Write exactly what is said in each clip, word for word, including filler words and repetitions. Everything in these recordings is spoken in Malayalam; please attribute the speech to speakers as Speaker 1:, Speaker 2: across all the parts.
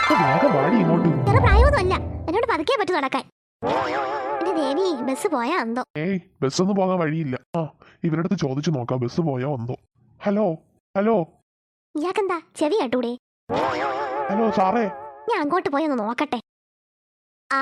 Speaker 1: വേറെ പ്രായമൊന്നുമല്ല, എന്നോട് പതുക്കെ പറ്റു നടക്കാൻ. എന്റെ ദേവി, ബസ് പോയാ എന്തോ.
Speaker 2: ഏയ് ബസ് ഒന്നും പോകാൻ വഴിയില്ല. ആ ഇവരടുത്ത് ചോദിച്ചു നോക്കാം ബസ് പോയാ എന്തോ. ഹലോ ഹലോ
Speaker 1: ഇയാക്കെന്താ ചെവി കേട്ടൂടെ?
Speaker 2: ഹലോ സാറേ,
Speaker 1: ഞാൻ അങ്ങോട്ട് പോയി ഒന്ന് നോക്കട്ടെ. ആ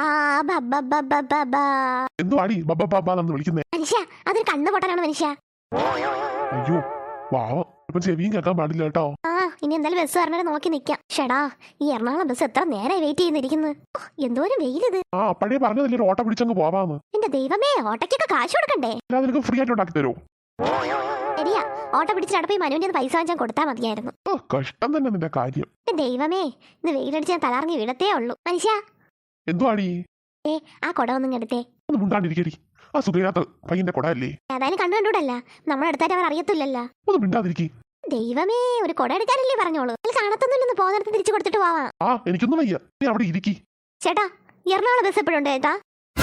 Speaker 2: എന്തോ അടി ബബ്ബാന്ന് വിളിക്കുന്നേ.
Speaker 1: മനുഷ്യ, അതൊരു കണ്ണു പൊട്ടനാണ് മനുഷ്യ.
Speaker 2: അയ്യോ വാവം, ഇപ്പൊ ചെവിയും കേൾക്കാൻ പാടില്ല കേട്ടോ.
Speaker 1: ആ ഇനി എന്തായാലും ബസ് പറഞ്ഞാൽ നോക്കി നിക്കാം. ഷടാ, ഈ എറണാകുളം ബസ് എത്ര നേരമായി വെയിറ്റ് ചെയ്യുന്നിരിക്കുന്നത്. എന്തോരം വെയിലിത്.
Speaker 2: ആ അപ്പഴേ പറഞ്ഞതല്ലേ ഒരു ഓട്ടോ പിടിച്ചങ്ങ് പോവാന്ന്.
Speaker 1: എന്റെ ദൈവമേ, ഓട്ടയ്ക്കൊക്കെ കാശ് കൊടുക്കണ്ടേ?
Speaker 2: അല്ലാതെ നിനക്ക് ഫ്രീ ആയിട്ട് ഉണ്ടാക്കി തരുമോ?
Speaker 1: ശരിയാ, ഓട്ടോ പിടിച്ച് നടപ്പി മനുവിന്റെ പൈസ വാങ്ങിച്ചാൽ കൊടുത്താൽ മതിയായിരുന്നു.
Speaker 2: കഷ്ടം തന്നെ നിന്റെ കാര്യം.
Speaker 1: എന്റെ ദൈവമേ, ഇന്ന് വെയിലടിച്ച് ഞാൻ തലറങ്ങി വീഴത്തേ ഉള്ളൂ. മനുഷ്യ
Speaker 2: എന്തോ അടി,
Speaker 1: ഏ ആ കൊട ഒന്നും എടുത്തേ.
Speaker 2: ഒന്ന് മിണ്ടാണ്ടിരിക്കടി. ആ സുഖിയാത്ത പയ്യന്റെ കൊട അല്ലേ?
Speaker 1: ഏതായാലും കണ്ടു കണ്ടൂടല്ല, നമ്മളെടുത്തായിട്ട് അവർ അറിയത്തില്ലല്ലോ.
Speaker 2: ഒന്ന് മിണ്ടാതിരിക്കി.
Speaker 1: ദൈവമേ, ഒരു കൊട എടുക്കാനല്ലേ പറഞ്ഞോളൂ. കാണത്തൊന്നുമില്ലെന്ന് പോകുന്നിടത്ത് തിരിച്ചു കൊടുത്തിട്ട് പോവാം.
Speaker 2: ആ എനിക്കൊന്നും വയ്യ, നീ അവിടെ ഇരിക്കി.
Speaker 1: ചേട്ടാ, എറണാകുളം ബസ് എപ്പോഴുണ്ട് ചേട്ടാ?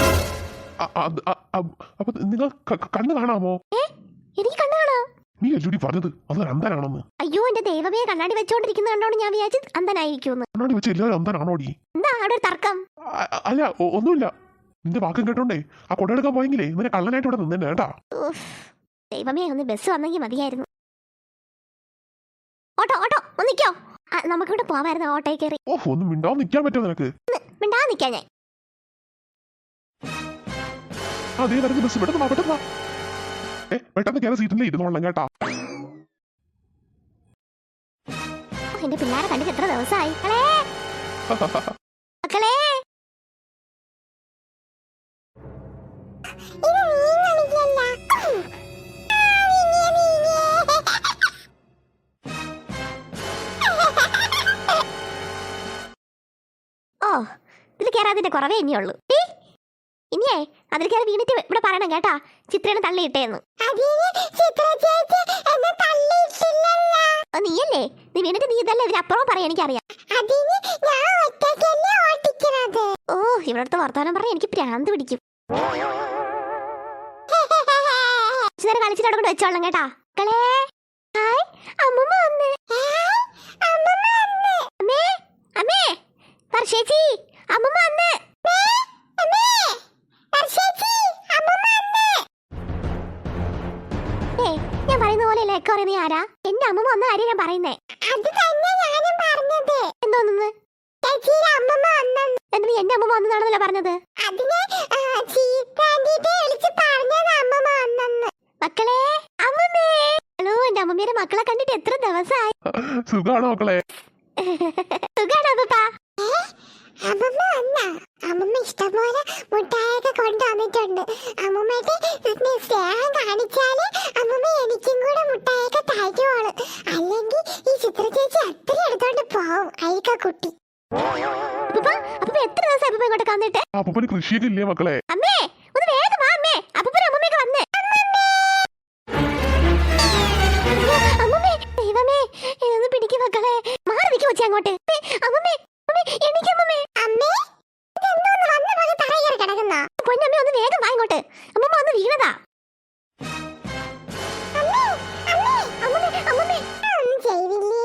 Speaker 2: അപ്പൊ നിങ്ങൾ കണ്ണ് കാണാമോ?
Speaker 1: ഏ എനിക്ക് കണ്ണു കാണാം.
Speaker 2: നീ അല്ലൂടി പറഞ്ഞത് അത് അന്ധനാണെന്ന്.
Speaker 1: അയ്യോ എന്റെ ദൈവമേ, കണ്ണാടി വെച്ചോണ്ടിരിക്കുന്ന കണ്ടോണ്ട് ഞാൻ വിചാരിച്ചു അന്ധനായിരിക്കും.
Speaker 2: കണ്ണാടി വെച്ച് എല്ലാവരും അന്ധനാണോടി?
Speaker 1: എന്താ അവിടെ ഒരു തർക്കം?
Speaker 2: അല്ല ഒന്നുമില്ല, നിന്റെ വാക്കും കേട്ടോണ്ടേ ആ കൊട എടുക്കാൻ പോയെങ്കിലേ നിന്നെ കള്ളനായിട്ട് ഇവിടെ നിന്നെ കേട്ടാ.
Speaker 1: ദൈവമേ, ഒന്ന് ബസ് വന്നെങ്കിൽ മതിയായിരുന്നു. ഓട്ടോ ഓട്ടോ ഒന്നിക്കോ, നമുക്കിവിടെ പോവായിരുന്നു ഓട്ടോയിൽ കയറി.
Speaker 2: ഓഹ് ഒന്ന് മിണ്ടാ നിൽക്കാൻ പറ്റുമോ നിനക്ക്?
Speaker 1: മിണ്ടാ നിൽക്കാൻ ഞാൻ.
Speaker 2: അതേ വരുന്ന ബസ് പെട്ടെന്ന് പെട്ടെന്ന് ഏ പെട്ടെന്ന് കയറി സീറ്റിൽ ഇരുന്നോളാം കേട്ടാ.
Speaker 1: എന്റെ പിള്ളേരെ കണ്ടിട്ട് എത്ര ദിവസമായി. മക്കളെ ഓ, ഇതിൽ കയറാതിന്റെ കുറവേ ഇനിയുള്ളൂ. ഇനിയേ അതിൽ കയറി വീണിട്ട് ഇവിടെ പറയണം കേട്ടാ, ചിത്രനെ തള്ളിയിട്ടേന്ന്. നീയല്ലേ, നീ വീണിട്ട് നീ ഇതല്ലേ ഇതിനപ്പുറം പറയാൻ എനിക്കറിയാം. ഓ ഇവിടത്തെ വർത്തമാനം പറഞ്ഞ എനിക്ക് പ്രാന്ത് പിടിക്കും. നേരം കളിച്ചിട്ട് അവിടെ കൊണ്ട് വെച്ചോളാം കേട്ടാ. മക്കളെ ഹായ്, അമ്മൂമ്മ വന്ന്. അമ്മേ അമ്മേ വർഷേച്ചി, അമ്മൂമ്മ വന്ന്. ഞാൻ പറയുന്ന പോലെയല്ലേ എക്കെ പറയുന്നത്? ആരാ? എന്റെ അമ്മൂമ്മ വന്ന കാര്യം ഞാൻ പറയുന്നേ. എന്തോന്ന് എന്നിട്ട് നീ എന്റെ അമ്മൂമ്മ വന്നതാണെന്നല്ലോ പറഞ്ഞത്. മക്കളെ അമ്മമ്മേ. ഹലോ, എന്റെ അമ്മമ്മയുടെ മക്കളെ കണ്ടിട്ട് എത്ര ദിവസമായി.
Speaker 2: സുഖാണോ മക്കളെ?
Speaker 1: സുഖാണോ പപ്പാ?
Speaker 3: അമ്മമ്മ വന്ന അമ്മമ്മ ഇഷ്ടംപോലെ മുട്ടായൊക്കെ കൊണ്ടുവന്നിട്ടുണ്ട്. അമ്മമ്മയുടെ സ്നേഹം കാണിച്ചാല് അമ്മമ്മ എനിക്കും കൂടെ മുട്ടായൊക്കെ തരുവോള്. അല്ലെങ്കിൽ ഈ ചിത്ര ചേച്ചി അത്ര എടുത്തോണ്ട് പോവും അയക്ക കുട്ടി.
Speaker 1: എത്ര ദിവസം അപ്പൂപ്പ ഇങ്ങോട്ട് വന്നിട്ട്?
Speaker 2: അപ്പൂപ്പന് കൃഷിയൊക്കെ ഇല്ലേ മക്കളെ?
Speaker 1: അമ്മേ ഒന്ന് വേഗം വാ അമ്മേ, അപ്പൂപ്പനും അമ്മമ്മയൊക്കെ വന്ന്. അമ്മമ്മേ ദൈവമേ, ഇതൊന്ന് പിടിക്ക് മക്കളെ. മാറി നിൽക്കി വെച്ചാ അങ്ങോട്ട്. അമ്മമ്മേ എണീക്കമ്മേ. അമ്മേ ഇതെന്തോന്ന് വന്ന പോലെ തറയിൽ കിടക്കുന്ന? പൊന്നമ്മേ ഒന്ന് വേഗം വാ ഇങ്ങോട്ട്, അമ്മമ്മ ഒന്ന് വീണതാ. അമ്മേ അമ്മേ അമ്മമ്മേ അമ്മമ്മേ ഒന്നും ചെയ്തില്ലേ?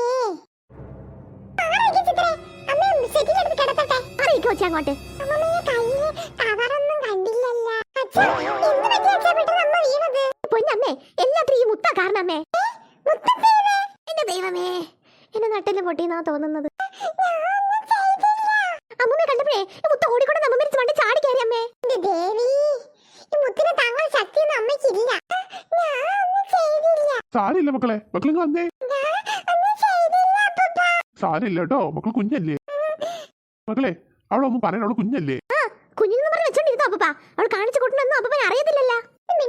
Speaker 1: അമ്മേ സെറ്റിൽ എടുത്ത് കിടത്തട്ടെ. മാറി നിൽക്കി വെച്ചാ അങ്ങോട്ട്. അമ്മമ്മയെ കയ്യില് കവറൊന്നും കണ്ടില്ലല്ലോ. അച്ഛാ എന്ത് പറ്റി അച്ഛാ പെട്ടെന്ന് അമ്മ വീണത്? പൊന്നമ്മേ എല്ലാത്തിനും ഈ മുത്ത കാരണം അമ്മേ. എന്റെ ദൈവമേ, എന്റെ നട്ടില് പൊട്ടിയെന്നാ തോന്നുന്നത്. അമ്മമ്മ കണ്ടപ്പോഴേ മുത്ത ഓടിക്കൊണ്ട് നമ്മ മരിച്ച് വണ്ടി ചാടി കയറി അമ്മേ.
Speaker 3: എന്റെ ദേവി, ഈ മുത്തിനെ താങ്ങാൻ ശക്തിയൊന്നും അമ്മയ്ക്കില്ല.
Speaker 2: സാരില്ല മക്കളെ, മക്കളിങ്ങ് വന്നേ. സാരില്ല കേട്ടോ, മക്കൾ കുഞ്ഞല്ലേ മക്കളെ. അവളൊന്നും പറയാൻ, അവള് കുഞ്ഞല്ലേ.
Speaker 1: കുഞ്ഞിന്ന് പറഞ്ഞ് വെച്ചോണ്ടിരുന്നോ അപ്പ? അവൾ കാണിച്ചു കൊടുക്കണമെന്നും അപ്പൻ അറിയത്തില്ലല്ലോ.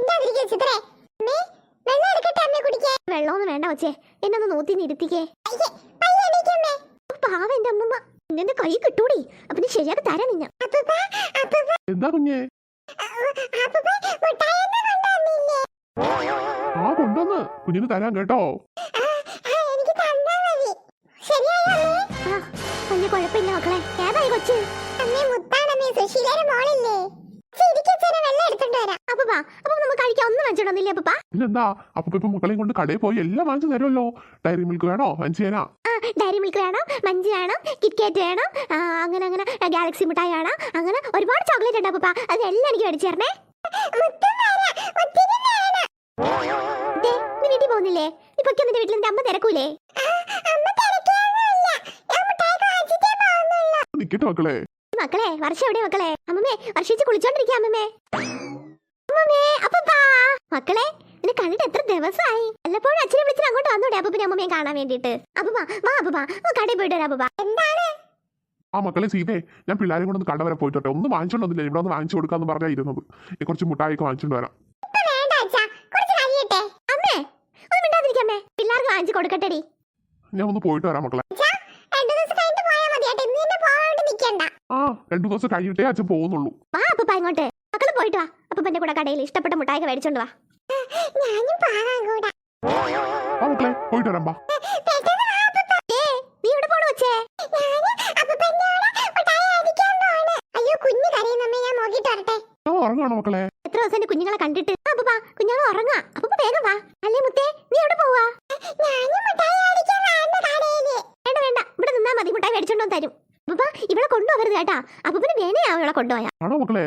Speaker 1: വെള്ളമൊന്നും വേണ്ട വച്ചേ, എന്നെ ഒന്ന് നോത്തി ഇരുത്തിക്കേ. പാവ എന്റെ അമ്മമ്മ, എന്റെ കൈ കിട്ടൂടി. അപ്പൊ ശരിയാക്കി തരാം നിന്നെ.
Speaker 2: എന്താ കുഞ്ഞേ? ആ കൊണ്ടുവന്ന് കുഞ്ഞിന് തരാൻ കേട്ടോ.
Speaker 1: വലിയ കുഴപ്പമില്ല മക്കളെ. ഏതായി കൊച്ച്?
Speaker 2: പിന്നെന്താ, അപ്പൊ ഇപ്പൊ മക്കളെയും കൊണ്ട് കടയിൽ പോയി എല്ലാം വാങ്ങിച്ചു തരുമല്ലോ. ഡയറി മിൽക്ക് വേണോ വാങ്ങിച്ചു തരാം.
Speaker 1: ആ ഡയറി മിൽക്ക് വേണം, മഞ്ച് വേണം, കിറ്റ്കാറ്റ് വേണം, ആ, അങ്ങനെ അങ്ങനെ ഗാലക്സി മിഠായി വേണം, അങ്ങനെ ഒരുപാട് ചോക്ലേറ്റ് ഉണ്ട് അപ്പൂപ്പ. അതെല്ലാം എനിക്ക് മേടിച്ചു തരണേ. ദേ, നീ വീട്ടിൽ പോകുന്നില്ലേ? ഇപ്പൊ നിന്റെ വീട്ടിൽ നിന്റെ അമ്മ തിരക്കൂലേ?
Speaker 2: നിക്കട്ടെ മക്കളെ.
Speaker 1: മക്കളെ വർഷം എവിടെ മക്കളെ? അമ്മമ്മേ വർഷിച്ച് കുളിച്ചോണ്ടിരിക്കുക അമ്മമ്മേ. അമ്മമ്മേ അപ്പൂപ്പാ. മക്കളെ നിന്നെ കണ്ടിട്ട് എത്ര ദിവസമായി? വല്ലപ്പോഴും അച്ഛനെ വിളിച്ചിട്ട് അങ്ങോട്ട് വന്നൂടെ അപ്പൂപ്പനെ അമ്മമ്മയെ കാണാൻ വേണ്ടിട്ട്? അപ്പൂപ്പാ വാ അപ്പൂപ്പാ, കടയിൽ പോയിട്ട് വരാം അപ്പൂപ്പാ. എന്താണ്?
Speaker 2: ആ മക്കളെ സീതേ, ഞാൻ പിള്ളേരെ കൊണ്ടൊന്ന് കട വരെ പോയിട്ടെ. ഒന്നും വാങ്ങിച്ചോണ്ടൊന്നില്ല, ഇവിടെ ഒന്ന് വാങ്ങിച്ചു കൊടുക്കാന്ന് പറഞ്ഞാ ഇരുന്നത്. കുറച്ച് മുട്ടായിക്ക് വാങ്ങിച്ചോണ്ട് വരാം.
Speaker 1: അമ്മേ ഒന്ന് മിണ്ടാതിരിക്കമ്മേ, പിള്ളേർക്ക് വാങ്ങിച്ചു കൊടുക്കട്ടെടി.
Speaker 2: ഞാൻ ഒന്ന് പോയിട്ട് വരാം മക്കളെ. ആ രണ്ടു ദിവസം കഴിഞ്ഞിട്ടേ അച്ഛൻ പോകുന്നുള്ളൂ.
Speaker 1: വാ അപ്പൂപ്പ ഇങ്ങോട്ട്. മക്കള് പോയിട്ട് വാ. അപ്പൂപ്പന്റെ കൂടെ കടയിൽ ഇഷ്ടപ്പെട്ട മുട്ടായിക്ക് മേടിച്ചോണ്ട് വാ.
Speaker 2: ആ മക്കളെ പോയിട്ട് വരാം. ബാ.
Speaker 1: നീ ഇവിടെ പോണു വെച്ചേ?
Speaker 2: ഞാൻ ഉറങ്ങാണോ മക്കളെ?
Speaker 1: എത്ര ദിവസം എന്റെ കുഞ്ഞുങ്ങളെ കണ്ടിട്ട്? അപ്പൂപ്പ കുഞ്ഞുങ്ങൾ ഉറങ്ങാ. അപ്പൂപ്പ വേഗം വാ. അല്ലേ മുത്തേ, നീ എവിടെ പോവാ? വേണ്ട വേണ്ട, ഇവിടെ നിന്നാ മതി, മുട്ടായി മേടിച്ചോണ്ടോ തരും. അപ്പൂപ്പ ഇവിടെ കൊണ്ടുപോകരുത് കേട്ടാ. അപ്പൂപ്പന് വേണയാ ഇവിടെ കൊണ്ടുപോയാ.
Speaker 2: ആണോ മക്കളെ?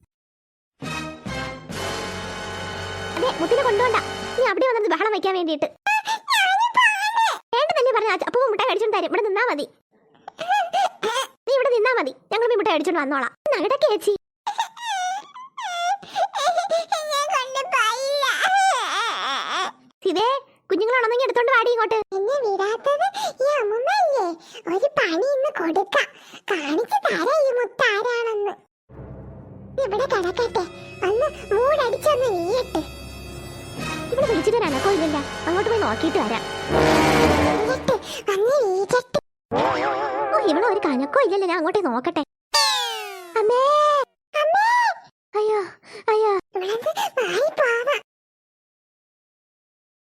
Speaker 1: അതെ മുത്തിനെ കൊണ്ടുപോണ്ട. നീ അവിടെ വന്നത് ബഹളം വയ്ക്കാൻ വേണ്ടിട്ട്. വേണ്ട തന്നെ പറഞ്ഞ അപ്പൂപ്പ മുട്ടായി മേടിച്ചോണ്ട് തരും. ഇവിടെ നിന്നാ മതി. നീ ഇവിടെ നിന്നാ മതി, ഞങ്ങൾ ഈ മുട്ടായി മേടിച്ചോണ്ട് വന്നോളാം. നടക്കെ ചേച്ചി. ഇതേ കുഞ്ഞുങ്ങളാണെന്നെങ്കിൽ എടുത്തോണ്ട് വാടി ഇങ്ങോട്ട്.
Speaker 3: എന്നെ വിടാത്തത് ഈ അമ്മമ്മല്ലേ? ഒരു പണി ഇന്ന് കൊടുക്കാം, കാണിച്ചു തരാം ഈ മുത്താരാണെന്ന്. ഇവിടെ കിടക്കട്ടെ, ഒന്ന് മൂടടിച്ചൊന്ന് നീയട്ടെ.
Speaker 1: ഇവിടെ വിളിച്ചിട്ട് ഒരു അനക്കോ ഇല്ലല്ല, അങ്ങോട്ട് പോയി നോക്കിയിട്ട് വരാം.
Speaker 3: നീയട്ടെ, വന്ന് വീഴട്ടെ.
Speaker 1: ഓ ഇവിടെ ഒരു കനക്കോ ഇല്ലല്ലോ, ഞാൻ അങ്ങോട്ടേ നോക്കട്ടെ.